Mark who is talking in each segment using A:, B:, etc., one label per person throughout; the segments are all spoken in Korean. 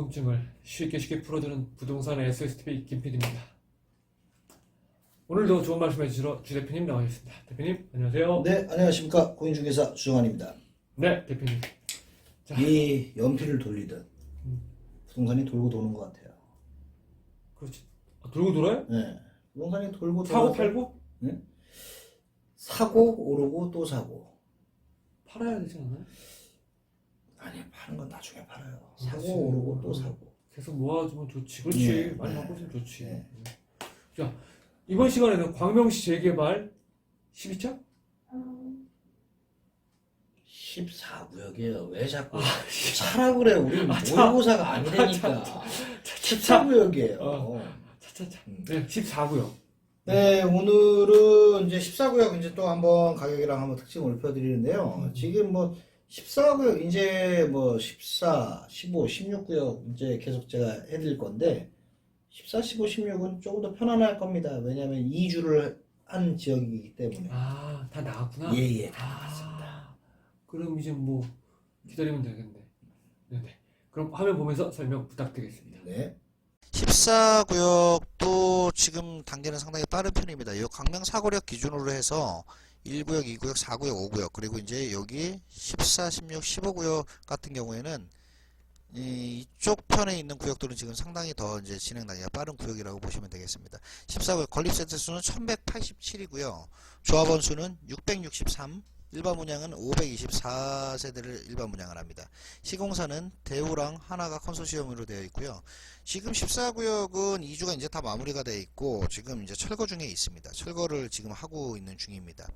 A: 궁금증을 쉽게 풀어주는 부동산 SSTV 김PD입니다. 오늘도 좋은 말씀 해주시러 주 대표님 나와주셨습니다. 대표님 안녕하세요.
B: 네, 안녕하십니까. 고인중개사 주정환입니다.
A: 네, 대표님. 자,
B: 이 연필을 돌리듯 부동산이 돌고 도는 것 같아요.
A: 그렇지. 돌고 돌아요?
B: 네, 부동산이 돌고
A: 사고
B: 돌아서
A: 팔고?
B: 네? 사고 오르고 또 사고.
A: 팔아야 되지 않아요?
B: 아니, 파는 건 나중에 팔아요.
A: 그렇지.
B: 사고 오르고 또 사고.
A: 계속 모아주면 좋지. 그렇지.
B: 네,
A: 많이
B: 네.
A: 갖고 있으면 좋지.
B: 네.
A: 자, 이번 시간에는 광명시 재개발 12차?
B: 14구역이에요. 왜 자꾸
A: 아,
B: 차라 그래. 우리는 모의고사가 아니라니까. 14구역이에요.
A: 차차차. 네, 14구요.
B: 네, 오늘은 이제 14구역 이제 또 한번 가격이랑 한번 특징을 읊어드리는데요. 지금 뭐 14구역 이제 뭐 14, 15, 16구역 이제 계속 제가 해드릴 건데 14, 15, 16은 조금 더 편안할 겁니다. 왜냐하면 2주를 한 지역이기 때문에.
A: 아, 다 나왔구나?
B: 예, 다 나왔습니다.
A: 그럼 이제 뭐 기다리면 되겠네. 네네. 그럼 화면 보면서 설명 부탁드리겠습니다.
B: 네.
C: 14구역도 지금 단계는 상당히 빠른 편입니다. 이 광명 사거리역 기준으로 해서 1구역, 2구역, 4구역, 5구역 그리고 이제 여기 14, 16, 15구역 같은 경우에는 이쪽 편에 있는 구역들은 지금 상당히 더 이제 진행 단계가 빠른 구역이라고 보시면 되겠습니다. 14구역 건립세대 수는 1187이고요. 조합원 수는 663, 일반 분양은 524세대를 일반 분양을 합니다. 시공사는 대우랑 하나가 컨소시엄으로 되어 있고요. 지금 14구역은 2주가 이제 다 마무리가 되어 있고 지금 이제 철거 중에 있습니다. 철거를 지금 하고 있는 중입니다.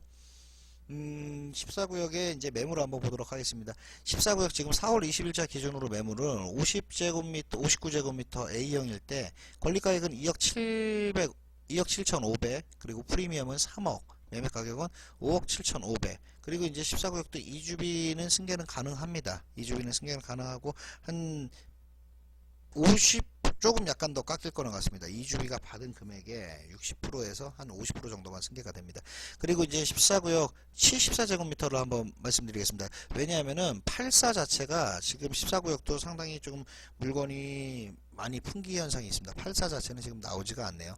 C: 14구역의 이제 매물을 한번 보도록 하겠습니다. 14구역 지금 4월 20일자 기준으로 매물은 50제곱미터, 59제곱미터 A형일 때 권리가액은 2억 700, 2억 7,500 그리고 프리미엄은 3억 매매 가격은 5억 7,500 그리고 이제 14구역도 2주비는 승계는 가능합니다. 2주비는 승계는 가능하고 한 50 조금 약간 더 깎일 거는 같습니다. 2주비가 받은 금액의 60%에서 한 50% 정도만 승계가 됩니다. 그리고 이제 14구역 74제곱미터를 한번 말씀드리겠습니다. 왜냐하면은 84 자체가 지금 14구역도 상당히 좀 물건이 많이 풍기 현상이 있습니다. 84 자체는 지금 나오지가 않네요.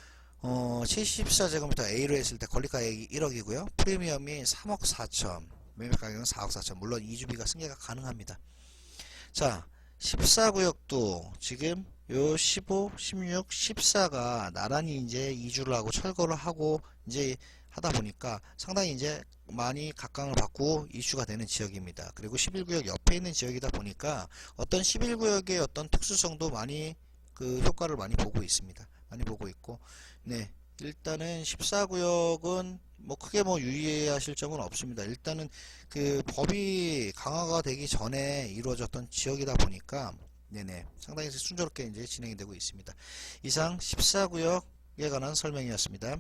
C: 74제곱미터 A로 했을 때 권리가액이 1억이고요. 프리미엄이 3억 4천, 매매 가격은 4억 4천. 물론 2주비가 승계가 가능합니다. 자, 14구역도 지금 요 15, 16, 14가 나란히 이제 2주를 하고 철거를 하고 이제 하다 보니까 상당히 이제 많이 각광을 받고 이슈가 되는 지역입니다. 그리고 11구역 옆에 있는 지역이다 보니까 어떤 11구역의 어떤 특수성도 많이 그 효과를 많이 보고 있습니다. 많이 보고 있고, 네. 일단은 14구역은 뭐 크게 뭐 유의하실 점은 없습니다. 일단은 그 법이 강화가 되기 전에 이루어졌던 지역이다 보니까 네네 상당히 순조롭게 이제 진행이 되고 있습니다. 이상 14구역에 관한 설명이었습니다.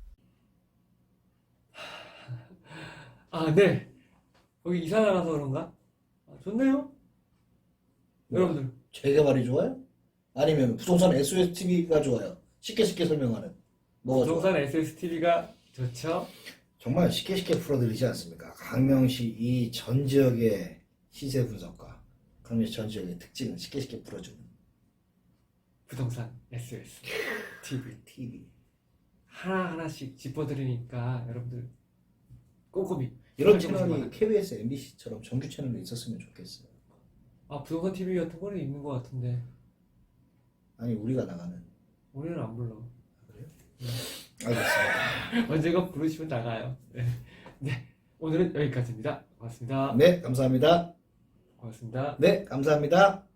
A: 아, 네. 거기 이사 나가서 그런가? 아, 좋네요. 여러분들.
B: 재개발이 좋아요? 아니면 부동산 SSTV가 좋아요? 쉽게 설명하는. 뭐가 좋아요?
A: 부동산 SSTV가 좋죠.
B: 정말 쉽게 풀어드리지 않습니까? 강명시 이 전 지역의 시세 분석과 강명시 전 지역의 특징을 쉽게 풀어주는
A: 부동산 SSTV.
B: TV.
A: 하나하나씩 짚어드리니까 여러분들 꼼꼼히
B: 이런
A: 살펴보시기
B: 채널이
A: 바랍니다.
B: KBS, MBC처럼 정규 채널로 있었으면 좋겠어요.
A: 아, 부동산 TV 같은 거는 있는 것 같은데
B: 아니, 우리가 나가는.
A: 우리는 안 불러.
B: 그래요? 알겠습니다.
A: 언제가 부르시면 나가요. 네. 오늘은 여기까지입니다. 고맙습니다.
B: 네, 감사합니다.
A: 네, 감사합니다.
B: 네, 감사합니다.
A: 고맙습니다.